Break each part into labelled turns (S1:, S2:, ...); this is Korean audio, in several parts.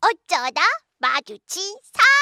S1: 어쩌다 마주친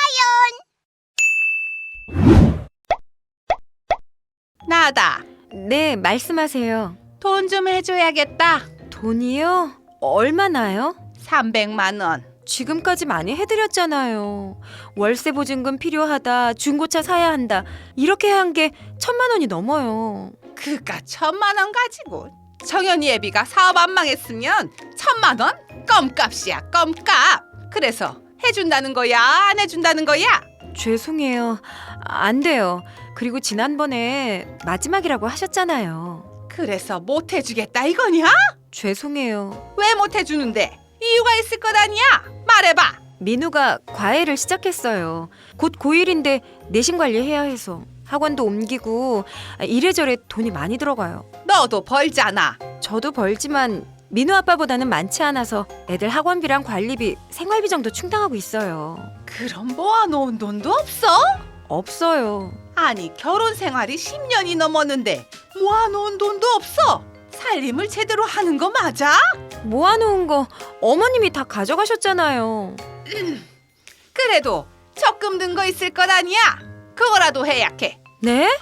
S2: 나다.
S3: 네, 말씀하세요.
S2: 돈 좀 해줘야겠다.
S3: 돈이요? 얼마나요?
S2: 300만 원.
S3: 지금까지 많이 해드렸잖아요. 월세 보증금 필요하다, 중고차 사야 한다. 이렇게 한 게 1,000만 원이 넘어요.
S2: 그깟 1,000만 원 가지고 정연이 애비가 사업 안 망했으면 1,000만 원? 껌값이야, 껌값. 그래서 해준다는 거야, 안 해준다는 거야?
S3: 죄송해요. 안 돼요. 그리고 지난번에 마지막이라고 하셨잖아요.
S2: 그래서 못 해주겠다 이거냐?
S3: 죄송해요.
S2: 왜 못 해주는데? 이유가 있을 것 아니야? 말해봐.
S3: 민우가 과외를 시작했어요. 곧 고1인데 내신 관리해야 해서 학원도 옮기고 이래저래 돈이 많이 들어가요.
S2: 너도 벌잖아.
S3: 저도 벌지만 민우 아빠보다는 많지 않아서 애들 학원비랑 관리비, 생활비 정도 충당하고 있어요.
S2: 그럼 모아놓은 돈도 없어?
S3: 없어요.
S2: 아니 결혼 생활이 10년이 넘었는데 모아놓은 돈도 없어? 살림을 제대로 하는 거 맞아?
S3: 모아놓은 거 어머님이 다 가져가셨잖아요.
S2: 그래도 적금 든 거 있을 것 아니야? 그거라도 해야 해.
S3: 네?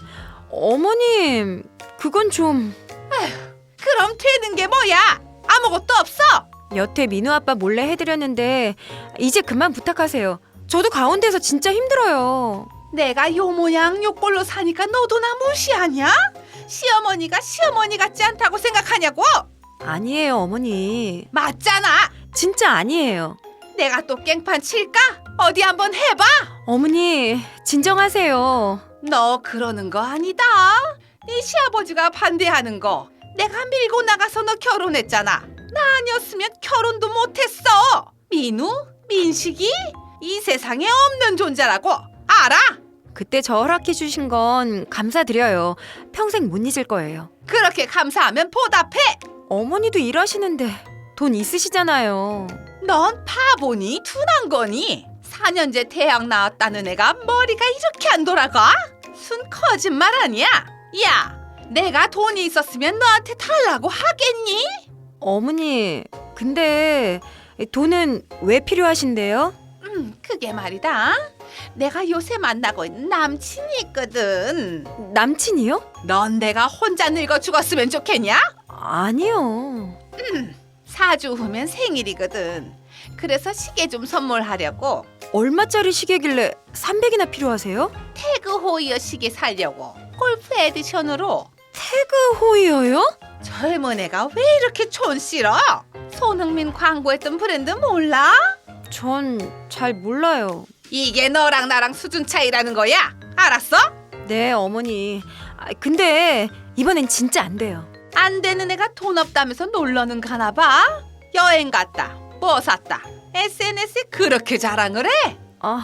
S3: 어머님, 그건 좀...
S2: 그럼 되는 게 뭐야? 아무것도 없어?
S3: 여태 민우 아빠 몰래 해드렸는데 이제 그만 부탁하세요. 저도 가운데서 진짜 힘들어요.
S2: 내가 요 모양 요 꼴로 사니까 너도 나 무시하냐? 시어머니가 시어머니 같지 않다고 생각하냐고?
S3: 아니에요, 어머니.
S2: 맞잖아.
S3: 진짜 아니에요.
S2: 내가 또 깽판 칠까? 어디 한번 해봐.
S3: 어머니, 진정하세요.
S2: 너 그러는 거 아니다. 네 시아버지가 반대하는 거 내가 밀고 나가서 너 결혼했잖아. 나 아니었으면 결혼도 못했어. 민우? 민식이? 이 세상에 없는 존재라고 알아?
S3: 그때 저 허락해 주신 건 감사드려요. 평생 못 잊을 거예요.
S2: 그렇게 감사하면 보답해.
S3: 어머니도 일하시는데 돈 있으시잖아요.
S2: 넌 바보니 둔한 거니? 4년제 대학 나왔다는 애가 머리가 이렇게 안 돌아가? 순 거짓말 아니야? 야, 내가 돈이 있었으면 너한테 달라고 하겠니?
S3: 어머니, 근데 돈은 왜 필요하신데요?
S2: 그게 말이다. 내가 요새 만나고 있는 남친이 있거든.
S3: 남친이요?
S2: 넌 내가 혼자 늙어 죽었으면 좋겠냐?
S3: 아니요.
S2: 4주 후면 생일이거든. 그래서 시계 좀 선물하려고
S3: 얼마짜리 시계길래 300이나 필요하세요?
S2: 태그 호이어 시계 사려고. 골프 에디션으로.
S3: 태그 호이어요?
S2: 젊은 애가 왜 이렇게 촌스러? 손흥민 광고했던 브랜드 몰라?
S3: 전 잘 몰라요.
S2: 이게 너랑 나랑 수준 차이라는 거야. 알았어?
S3: 네, 어머니. 근데 이번엔 진짜 안 돼요.
S2: 안 되는 애가 돈 없다면서 놀러는 가나 봐. 여행 갔다. 뭐 샀다. SNS에 그렇게 자랑을 해?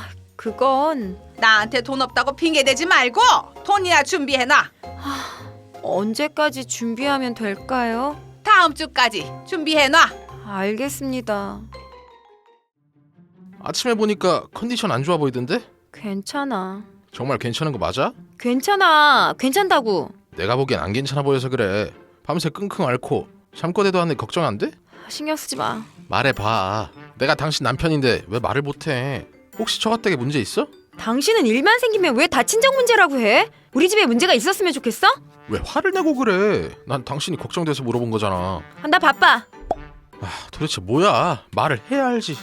S3: 그건
S2: 나한테 돈 없다고 핑계대지 말고 돈이나 준비해놔.
S3: 언제까지 준비하면 될까요?
S2: 다음 주까지 준비해놔.
S3: 알겠습니다.
S4: 아침에 보니까 컨디션 안 좋아 보이던데?
S3: 괜찮아.
S4: 정말 괜찮은 거 맞아?
S3: 괜찮아. 괜찮다고.
S4: 내가 보기엔 안 괜찮아 보여서 그래. 밤새 끙끙 앓고 잠꼬대도 하는데 걱정 안 돼?
S3: 신경 쓰지 마.
S4: 말해봐. 내가 당신 남편인데 왜 말을 못해? 혹시 처가댁에 문제 있어?
S3: 당신은 일만 생기면 왜 다 친정 문제라고 해? 우리 집에 문제가 있었으면 좋겠어?
S4: 왜 화를 내고 그래? 난 당신이 걱정돼서 물어본 거잖아.
S3: 나 바빠.
S4: 도대체 뭐야? 말을 해야 알지.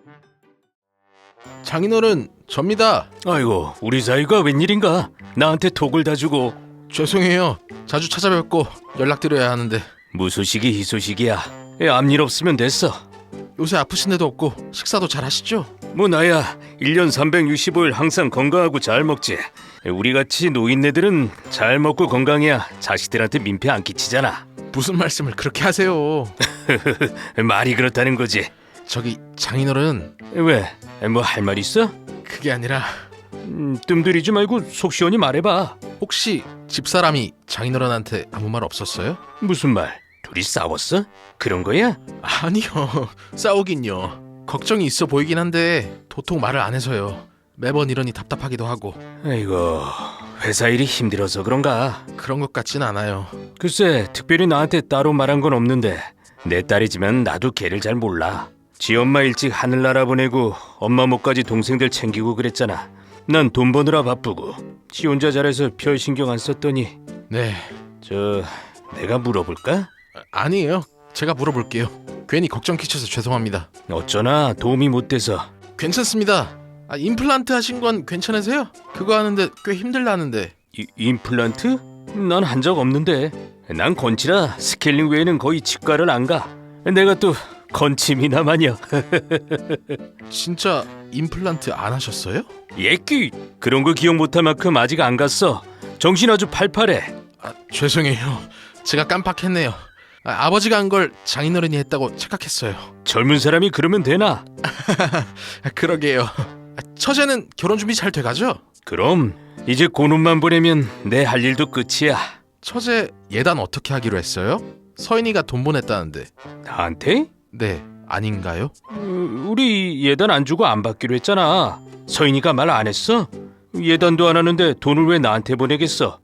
S4: 장인어른, 접니다.
S5: 아이고, 우리 사이가 웬일인가? 나한테 톡을 다 주고.
S4: 죄송해요. 자주 찾아뵙고 연락드려야 하는데
S5: 무소식이 희소식이야. 앞일 없으면 됐어.
S4: 요새 아프신 데도 없고 식사도 잘 하시죠?
S5: 뭐 나야 1년 365일 항상 건강하고 잘 먹지. 우리같이 노인네들은 잘 먹고 건강해야 자식들한테 민폐 안 끼치잖아.
S4: 무슨 말씀을 그렇게 하세요?
S5: 말이 그렇다는 거지.
S4: 저기 장인어른,
S5: 왜? 뭐 할 말 있어?
S4: 그게 아니라
S5: 뜸들이지 말고 속 시원히 말해봐.
S4: 혹시 집사람이 장인어른한테 아무 말 없었어요?
S5: 무슨 말? 둘이 싸웠어? 그런 거야?
S4: 아니요. 싸우긴요. 걱정이 있어 보이긴 한데 도통 말을 안 해서요. 매번 이러니 답답하기도 하고.
S5: 아이고, 회사 일이 힘들어서 그런가?
S4: 그런 것 같진 않아요.
S5: 글쎄, 특별히 나한테 따로 말한 건 없는데 내 딸이지만 나도 걔를 잘 몰라. 지 엄마 일찍 하늘나라 보내고 엄마 목까지 동생들 챙기고 그랬잖아. 난 돈 버느라 바쁘고 지 혼자 잘해서 별 신경 안 썼더니.
S4: 네,
S5: 내가 물어볼까?
S4: 아니에요. 제가 물어볼게요. 괜히 걱정 끼쳐서 죄송합니다.
S5: 어쩌나 도움이 못 돼서.
S4: 괜찮습니다. 임플란트 하신 건 괜찮으세요? 그거 하는데 꽤 힘들다는데.
S5: 임플란트? 난 한 적 없는데. 난 건치라 스케일링 외에는 거의 치과를 안 가. 내가 또 건치미나 마녀.
S4: 진짜 임플란트 안 하셨어요?
S5: 예끼 그런 거 기억 못할 만큼 아직 안 갔어. 정신 아주 팔팔해.
S4: 죄송해요. 제가 깜빡했네요. 아버지가 한 걸 장인어른이 했다고 착각했어요.
S5: 젊은 사람이 그러면 되나?
S4: 그러게요. 처제는 결혼 준비 잘 돼가죠?
S5: 그럼 이제 고놈만 보내면 내 할 일도 끝이야.
S4: 처제 예단 어떻게 하기로 했어요? 서인이가 돈 보냈다는데.
S5: 나한테?
S4: 네, 아닌가요?
S5: 우리 예단 안 주고 안 받기로 했잖아. 서인이가 말 안 했어? 예단도 안 하는데 돈을 왜 나한테 보내겠어?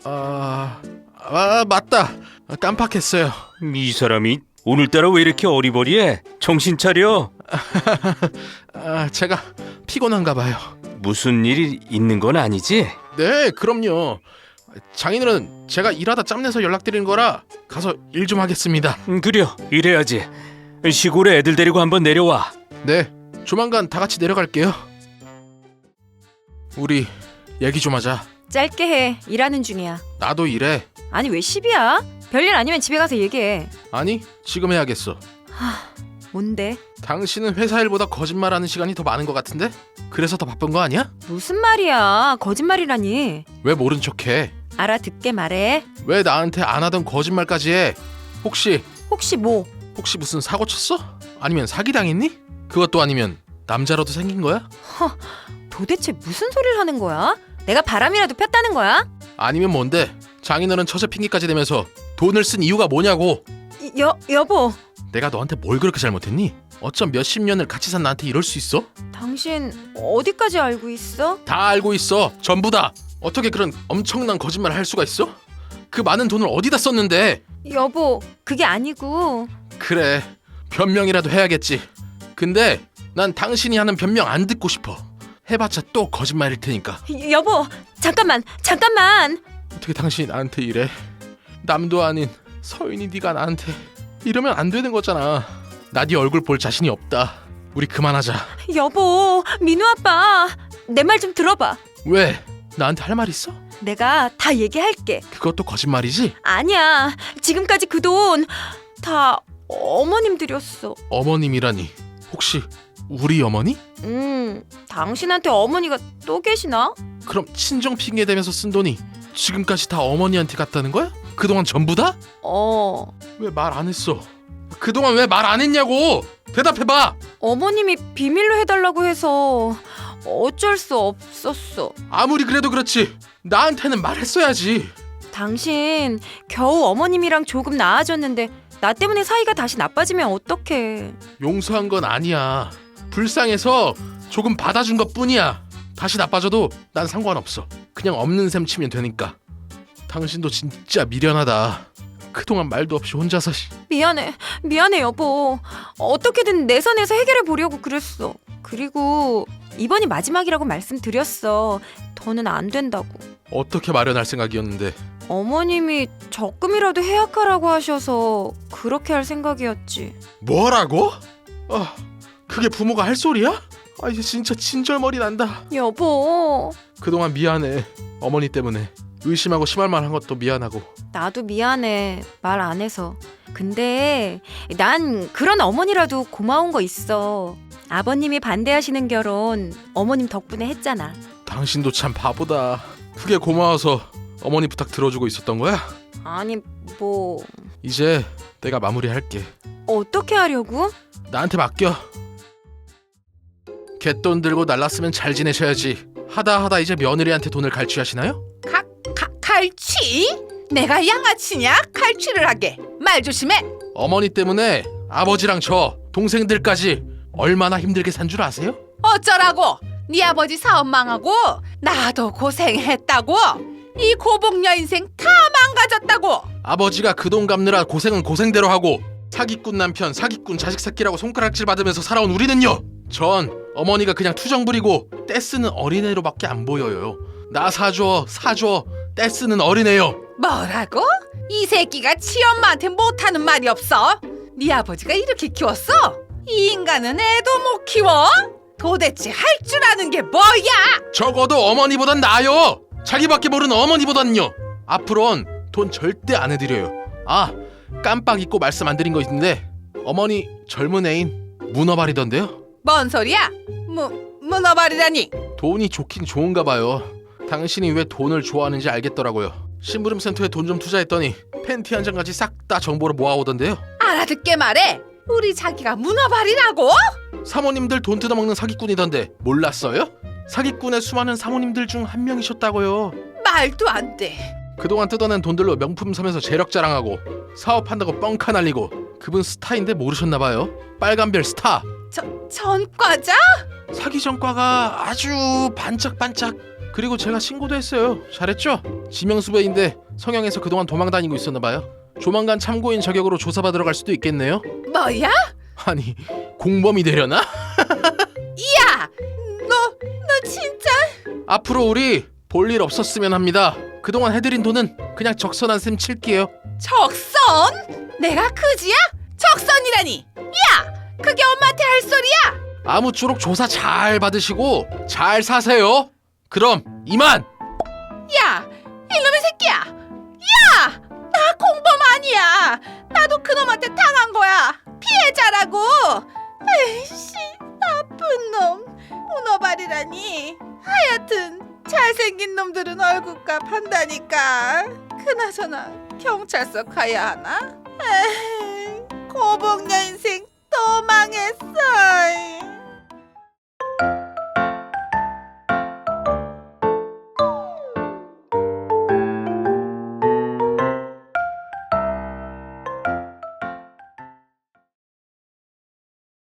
S4: 맞다. 깜빡했어요.
S5: 이 사람이 오늘따라 왜 이렇게 어리버리해? 정신 차려.
S4: 제가 피곤한가 봐요.
S5: 무슨 일이 있는 건 아니지?
S4: 네, 그럼요. 장인어른, 제가 일하다 짬내서 연락드린 거라 가서 일 좀 하겠습니다.
S5: 그려, 이래야지. 시골에 애들 데리고 한번 내려와.
S4: 네, 조만간 다 같이 내려갈게요. 우리 얘기 좀 하자.
S3: 짧게 해. 일하는 중이야.
S4: 나도 일해.
S3: 아니 왜 10이야? 별일 아니면 집에 가서 얘기해.
S4: 아니, 지금 해야겠어.
S3: 뭔데?
S4: 당신은 회사 일보다 거짓말하는 시간이 더 많은 것 같은데? 그래서 더 바쁜 거 아니야?
S3: 무슨 말이야? 거짓말이라니.
S4: 왜 모른 척해?
S3: 알아듣게 말해.
S4: 왜 나한테 안 하던 거짓말까지 해? 혹시
S3: 뭐?
S4: 혹시 무슨 사고 쳤어? 아니면 사기당했니? 그것도 아니면 남자로도 생긴 거야?
S3: 도대체 무슨 소리를 하는 거야? 내가 바람이라도 폈다는 거야?
S4: 아니면 뭔데? 장인어른 처제 핑계까지 대면서 돈을 쓴 이유가 뭐냐고?
S3: 여보.
S4: 내가 너한테 뭘 그렇게 잘못했니? 어쩜 몇십 년을 같이 산 나한테 이럴 수 있어?
S3: 당신 어디까지 알고 있어?
S4: 다 알고 있어. 전부 다. 어떻게 그런 엄청난 거짓말을 할 수가 있어? 그 많은 돈을 어디다 썼는데?
S3: 여보, 그게 아니고.
S4: 그래, 변명이라도 해야겠지. 근데 난 당신이 하는 변명 안 듣고 싶어. 해봤자 또 거짓말일 테니까.
S3: 여보, 잠깐만.
S4: 어떻게 당신이 나한테 이래? 남도 아닌 서인이 네가 나한테 이러면 안 되는 거잖아. 나 네 얼굴 볼 자신이 없다. 우리 그만하자.
S3: 여보, 민우 아빠, 내 말 좀 들어봐.
S4: 왜? 나한테 할 말 있어?
S3: 내가 다 얘기할게.
S4: 그것도 거짓말이지?
S3: 아니야, 지금까지 그 돈 다 어머님 드렸어.
S4: 어머님이라니. 혹시 우리 어머니?
S3: 당신한테 어머니가 또 계시나?
S4: 그럼 친정 핑계 대면서 쓴 돈이 지금까지 다 어머니한테 갔다는 거야? 그동안 전부 다? 왜 말 안 했어? 그동안 왜 말 안 했냐고! 대답해봐!
S3: 어머님이 비밀로 해달라고 해서 어쩔 수 없었어.
S4: 아무리 그래도 그렇지 나한테는 말했어야지.
S3: 당신 겨우 어머님이랑 조금 나아졌는데 나 때문에 사이가 다시 나빠지면 어떡해.
S4: 용서한 건 아니야. 불쌍해서 조금 받아준 것뿐이야. 다시 나빠져도 난 상관없어. 그냥 없는 셈 치면 되니까. 당신도 진짜 미련하다. 그동안 말도 없이 혼자서.
S3: 미안해 여보. 어떻게든 내 선에서 해결해 보려고 그랬어. 그리고 이번이 마지막이라고 말씀드렸어. 더는 안 된다고.
S4: 어떻게 마련할 생각이었는데.
S3: 어머님이 적금이라도 해약하라고 하셔서 그렇게 할 생각이었지.
S4: 뭐라고? 그게 부모가 할 소리야? 이제 진짜 진절머리 난다.
S3: 여보,
S4: 그동안 미안해. 어머니 때문에 의심하고 심할 만한 것도 미안하고.
S3: 나도 미안해. 말 안 해서. 근데 난 그런 어머니라도 고마운 거 있어. 아버님이 반대하시는 결혼 어머님 덕분에 했잖아.
S4: 당신도 참 바보다. 그게 고마워서 어머니 부탁 들어주고 있었던 거야?
S3: 아니 뭐
S4: 이제 내가 마무리할게.
S3: 어떻게 하려고?
S4: 나한테 맡겨. 갯돈 들고 날랐으면 잘 지내셔야지. 하다 이제 며느리한테 돈을 갈취하시나요?
S2: 갈취? 내가 양아치냐? 갈취를 하게. 말 조심해.
S4: 어머니 때문에 아버지랑 저 동생들까지 얼마나 힘들게 산 줄 아세요?
S2: 어쩌라고? 네 아버지 사업 망하고 나도 고생했다고. 이 고복녀 인생 다 망가졌다고.
S4: 아버지가 그 돈 갚느라 고생은 고생대로 하고 사기꾼 남편, 사기꾼 자식 새끼라고 손가락질 받으면서 살아온 우리는요. 전 어머니가 그냥 투정 부리고 떼쓰는 어린애로밖에 안 보여요. 나 사줘 떼쓰는 어린애요.
S2: 뭐라고? 이 새끼가 치엄마한테 못하는 말이 없어? 네 아버지가 이렇게 키웠어? 이 인간은 애도 못 키워? 도대체 할 줄 아는 게 뭐야?
S4: 적어도 어머니보단 나아요. 자기밖에 모르는 어머니보단요. 앞으론 돈 절대 안 해드려요. 아, 깜빡 잊고 말씀 안 드린 거 있는데 어머니 젊은 애인 문어발이던데요.
S2: 뭔 소리야? 문어발이라니?
S4: 돈이 좋긴 좋은가 봐요. 당신이 왜 돈을 좋아하는지 알겠더라고요. 심부름센터에 돈 좀 투자했더니 팬티 한 장까지 싹 다 정보를 모아오던데요.
S2: 알아듣게 말해. 우리 자기가 문어발이라고?
S4: 사모님들 돈 뜯어먹는 사기꾼이던데 몰랐어요? 사기꾼의 수많은 사모님들 중 한 명이셨다고요.
S2: 말도 안 돼.
S4: 그동안 뜯어낸 돈들로 명품 사면서 재력 자랑하고 사업한다고 뻥카 날리고 그분 스타인데 모르셨나봐요. 빨간별 스타.
S2: 전과자?
S4: 사기 전과가 아주 반짝반짝. 그리고 제가 신고도 했어요. 잘했죠? 지명수배인데 성형에서 그동안 도망다니고 있었나봐요. 조만간 참고인 자격으로 조사받으러 갈 수도 있겠네요.
S2: 뭐야?
S4: 아니 공범이 되려나?
S2: 야! 너 진짜?
S4: 앞으로 우리 볼 일 없었으면 합니다. 그동안 해드린 돈은 그냥 적선한 셈 칠게요.
S2: 적선? 내가 그지야? 적선이라니! 야! 그게 엄마한테 할 소리야?
S4: 아무쪼록 조사 잘 받으시고 잘 사세요. 그럼 이만!
S2: 야! 이놈의 새끼야! 야! 나 공범 아니야! 나도 그놈한테 당한 거야! 피해자라고! 에이씨, 나쁜 놈! 문어발이라니! 하여튼 잘생긴 놈들은 얼굴값 한다니까. 그나저나 경찰서 가야 하나? 에이, 고복녀 인생 또 망했어.